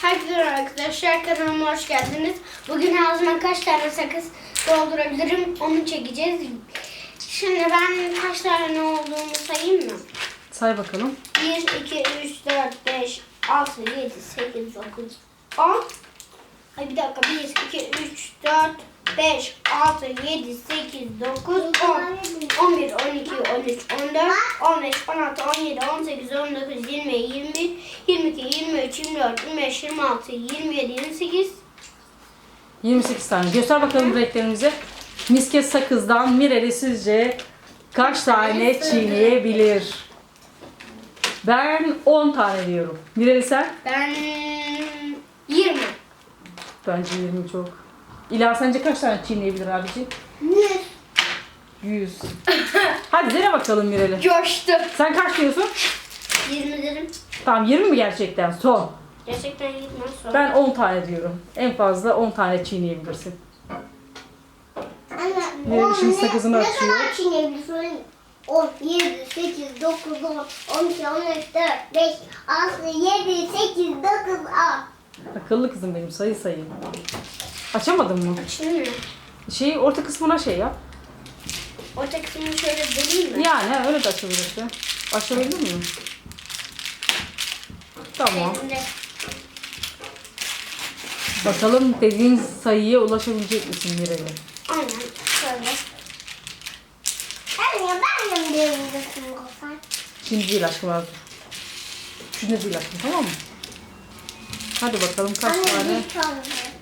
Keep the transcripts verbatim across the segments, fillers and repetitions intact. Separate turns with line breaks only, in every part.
Herkese arkadaşlar, kanalıma hoş geldiniz. Bugün ağzıma kaç tane sakız doldurabilirim onu çekeceğiz. Şimdi ben kaç tane olduğunu sayayım mı?
Say bakalım.
bir, iki, üç, dört, beş, altı, yedi, sekiz, dokuz, on. Ay bir dakika. bir, iki, üç, dört, beş, altı, yedi, sekiz, dokuz, on. on bir, on iki, on üç, on dört, on beş, on altı, on yedi, on sekiz, on dokuz, yirmi, yirmi bir, yirmi iki, yirmi üç, yirmi dört, yirmi beş, yirmi altı, yirmi yedi, yirmi sekiz.
yirmi sekiz tane. Göster bakalım renklerimizi. Misket sakızdan Mireli sizce kaç tane çiğneyebilir? Ben on tane diyorum. Mireli sen?
Ben yirmi.
Bence yirmi çok. İla sence kaç tane çiğneyebilir abiciğim?
yüz.
yüz. Hadi dene bakalım Mireli.
Coştu.
Sen kaç diyorsun?
yirmi dedim.
Tamam yirmi mi gerçekten? Son.
Gerçekten yirmi sonra.
Ben on tane diyorum. En fazla on tane çiğneyebilirsin.
Anne,
Mireli
on
şimdi
ne-
sakızını
ne
açıyor.
kadar çiğneyebilirsin? on, yedi, sekiz, dokuz, on, on iki, on üç, dört, beş, altı, yedi, sekiz, dokuz, on.
Akıllı kızım benim, sayı sayayım. Açamadın mı?
Açayım mı?
Şeyi orta kısmına şey yap.
Orta kısmını şöyle deleyim mi?
Yani öyle de açabilirsin. Açabildin mi? Tamam.
Elimde.
Bakalım dediğin sayıya ulaşabilecek misin Mireli?
Aynen. Şöyle.
Anne, ben de mi diyebilirsin olsan?
Şimdi değil aşkım abi. Şimdi değil aşkım, tamam mı? Hadi bakalım kaç
Anne,
tane?
bir tane.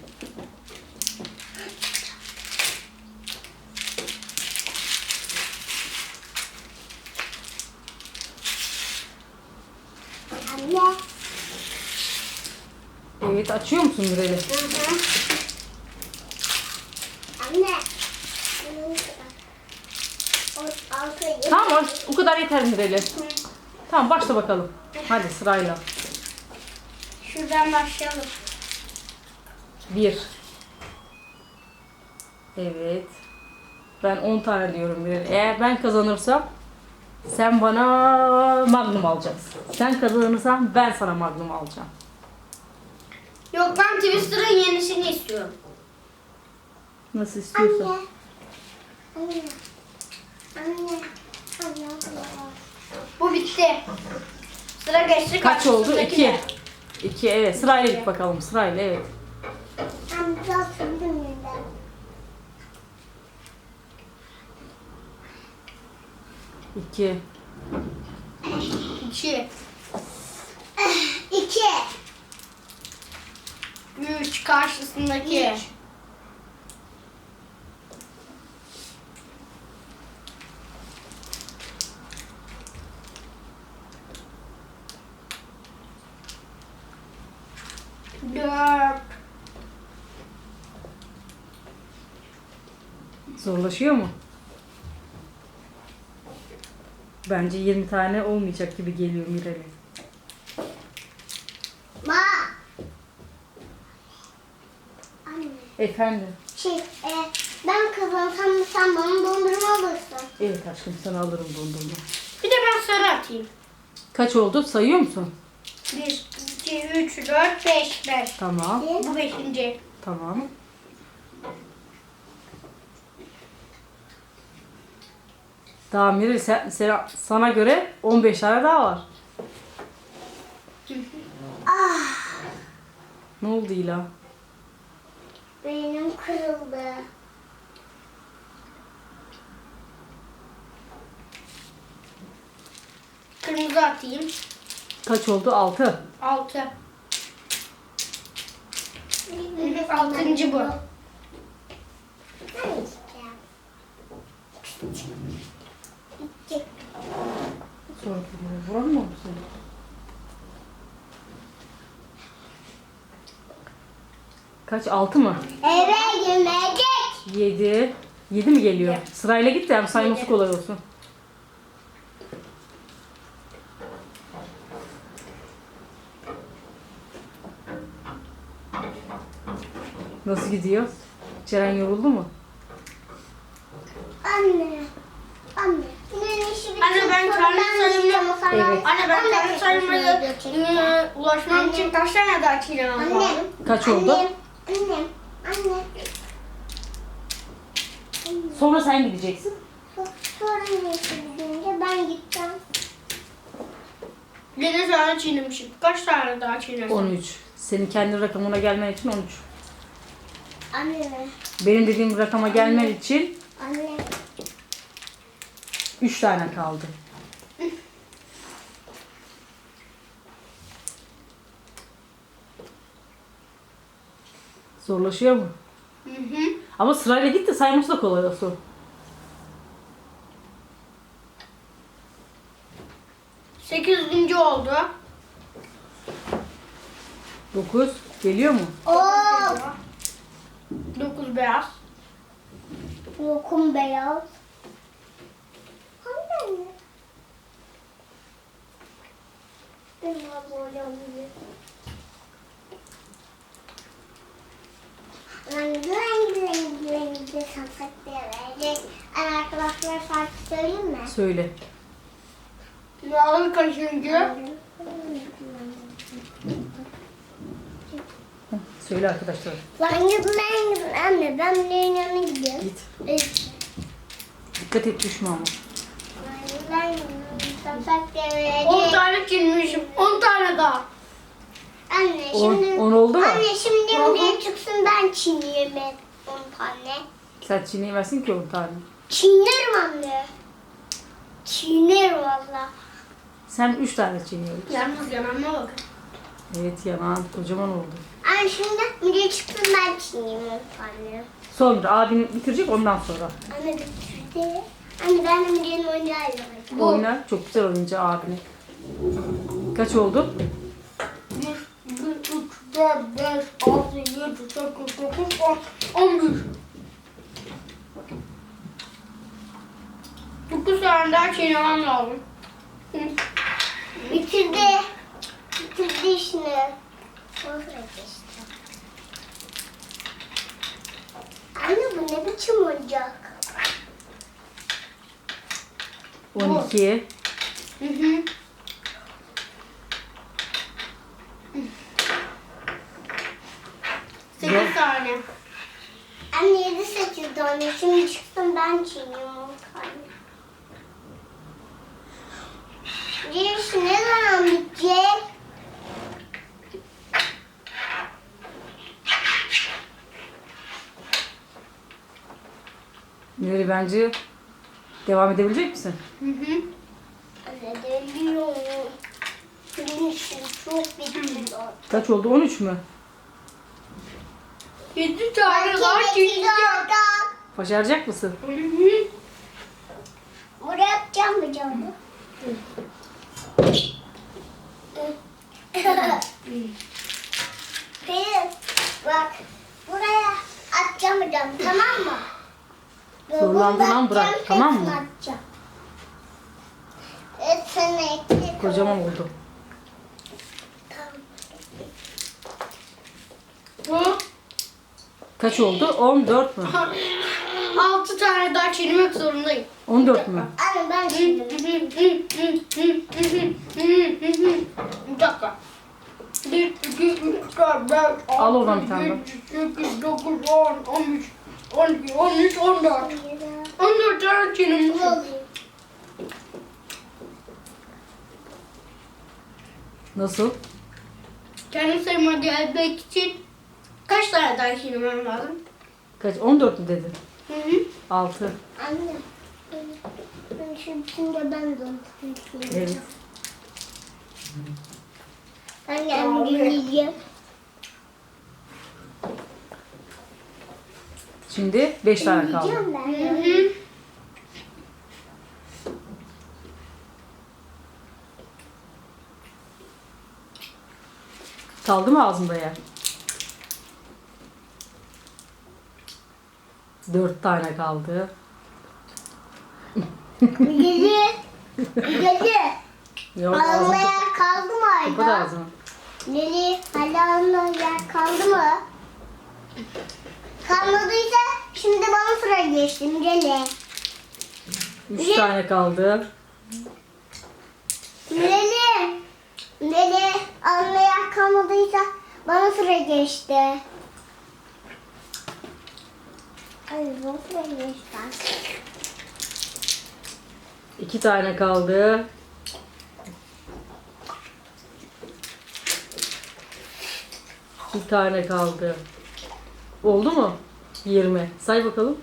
Anne.
Evet, açıyor musun Mireli?
Hı hı.
Anne. On, altı, yedi.
Tamam, o kadar yeter Mireli. Tamam, başla bakalım. Hadi sırayla.
Şuradan başlayalım.
Bir. Evet. Ben on tane diyorum Mireli. Eğer ben kazanırsam sen bana magnum alacaksın. Sen kazanırsan ben sana magnum alacağım.
Yok, ben Twister'ın yenisini istiyorum.
Nasıl istiyorsan.
Anne. Anne. Anne. Anne.
Bu bitti. Sıra geçti.
Kaç oldu?
karşısındaki
İki.
de.
İki, evet. Sırayla git bakalım. Sırayla, evet.
Ben biraz sürdüm yeniden.
İki.
İki.
İki.
Üç. Karşısındaki.
Üç.
Dört.
Zorlaşıyor mu? Bence yirmi tane olmayacak gibi geliyor Mireli.
Ma. Anne.
Efendim?
Şey, e, ben kazansam sen bana dondurma alırsın.
Evet aşkım, sana alırım dondurma.
Bir de ben sarı atayım.
Kaç oldu? Sayıyor musun?
Bir, iki, üç, dört, beş. Beş.
Tamam.
Bu beşinci.
Tamam. Daha Mireli sen, sen- sana göre on beş tane daha var.
Ah,
Ne oldu İla?
benim kırıldı.
Kırmızı atayım.
Kaç oldu? Altı.
Altı. Altıncı bu.
Ben içeceğim. İki.
Sonra vuran mı oldu senin? Kaç? Altı mı?
Eve yemek.
Yedi. Yedi mi geliyor?
Yedi.
Sırayla git de hem sayması
Yedi.
kolay olsun. Nasıl gidiyor? Ceren yoruldu mu?
Anne. Anne. Yine işi
Anne, ben
bitirdim.
kendi
Ben
sayımı-
yiyeceğim, o sen
Evet.
Anne ben
Ben de
kendi sayımaya
gerçekten.
e, ulaşmam için kaç tane daha çiğnemem
Anne.
lazım?
Kaç oldu?
Annem. Annem. Anne.
Sonra sen gideceksin.
So- Sonra neyse gidince ben gideceğim.
yedi tane çiğnemişim. Kaç tane daha çiğnersem?
on üç. Senin kendi rakamına gelmen için on üç.
Anne.
Benim dediğim rakama gelmen için
Anne.
üç tane kaldı. Zorlaşıyor mu?
Hı hı.
Ama sırayla git de sayması da kolay olsun.
Sekizinci oldu.
dokuz. Geliyor mu?
Oo.
Dokuz beyaz.
Lokum beyaz. Anne. Benim böyle oluyor. Rengi rengi rengi rengi sansak verecek. Arkadaşlar şarkı söyleyeyim mi?
Söyle.
Yağlı kaşıncı.
Söyle arkadaşlar.
Rengi rengi anne ben bunların yanına gidiyorum.
Git.
Evet.
Dikkat et düşme ama.
Rengi rengi sansak
on
verecek.
tane çiğnemişim. on tane daha.
Anne
On,
şimdi
on oldu mu?
anne şimdi
Hı hı.
buraya çıksın ben çiğneyeyim on tane.
Sen çiğneyemezsin ki on tane.
Çiğnerim anne. Çiğnerim valla.
Sen üç tane çiğniyorsun.
Yalnız yanağıma bakın.
Evet yanan kocaman oldu.
Anne şimdi buraya çıksın ben çiğneyeyim on tane.
Sonra abin bitirecek ondan sonra.
Anne bitirdi. Anne ben de Müge'nin oyuncağıyla oynayacağım.
Oyna. Çok güzel oyuncu abine. Kaç oldu?
bir, iki, üç, dört, beş, altı, yedi, sekiz, dokuz, on, on bir. dokuz tane daha çiğnemem lazım. Hı.
Bitirdi. Bitirdi işini. Sonra geçti. Anne bu ne biçim oyuncak?
on iki.
Hı hı. sekiz tane.
Anne yedi sekiz tane. Şimdi çıksın ben çiğneyim on tane. Gerisi ne zaman bitecek?
Nuri bence devam edebilecek misin?
Hı hı.
Anne deliyorum. Benim işim çok bitiyor.
Kaç oldu? on üç mü?
yedi tane daha çiğneyeceğim.
Başaracak mısın?
Hı hı.
Buraya yapacağım mı camı? Pelin bak buraya atacağım mı camı tamam mı?
Zorlandığın an bırak,
Atacağım,
tamam mı?
hepsini atacağım. Evet sana ekle.
Kocaman oldu.
Tamam.
Bu
Kaç oldu? on dört mü?
altı tane daha çiğnemek zorundayım.
on dört mü?
Anne ben şimdi.
Bir dakika. bir, iki, üç, dört, beş,
Al
altı,
oradan bir tane
yedi, sekiz, dokuz, on, on üç, on iki, on üç, on dört. on dört tane çiğnemişim.
Nasıl?
Kendi sayıma gelmek için kaç tane daha çiğnemem lazım?
Kaç? on dört mü dedin?
Hı hı.
altı.
Anne. Ben şimdi şimdi ben de unutmuşum.
Evet.
Ben geldim dinleyeceğim.
Şimdi beş tane kaldı.
Dinleyeceğim ben.
Hı
ya.
hı.
Kaldı mı ağzında yer? Dört tane kaldı.
Gece. Gece.
Yok ağzını
Ağzına
kapat.
yer kaldı mı
Kapat
Ayda?
ağzını.
Leli hala yer kaldı mı? Kalmadıysa şimdi bana sıra geçtim Leli.
Üç tane kaldı.
Mireli. Mireli anlayan kalmadıysa bana sıra geçti. Ay bana sıra geçti.
İki tane kaldı. Bir tane kaldı. Oldu mu? yirmi. Say bakalım.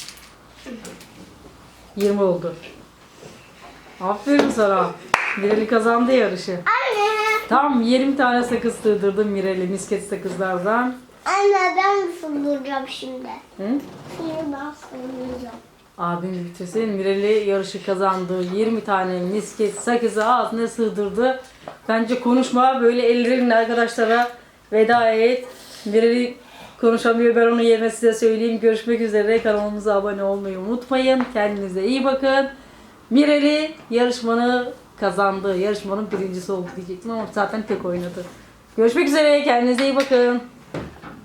yirmi oldu. Aferin sana. Mireli kazandı yarışı.
Anne.
Tam yirmi tane sakız sığdırdım Mireli misket sakızlardan.
Anne ben sığdıracağım şimdi.
Hı?
Şimdi ben sığdıracağım.
Abim bitirsin. Mireli yarışı kazandı. yirmi tane misket sakızı ağzına sığdırdı. Bence konuşma böyle ellerinle arkadaşlara veda et. Mireli konuşamıyor. Ben onun yerine size söyleyeyim. Görüşmek üzere. Kanalımıza abone olmayı unutmayın. Kendinize iyi bakın. Mireli yarışmanı kazandı. Yarışmanın birincisi oldu diyecektim ama zaten tek oynadı. Görüşmek üzere. Kendinize iyi bakın.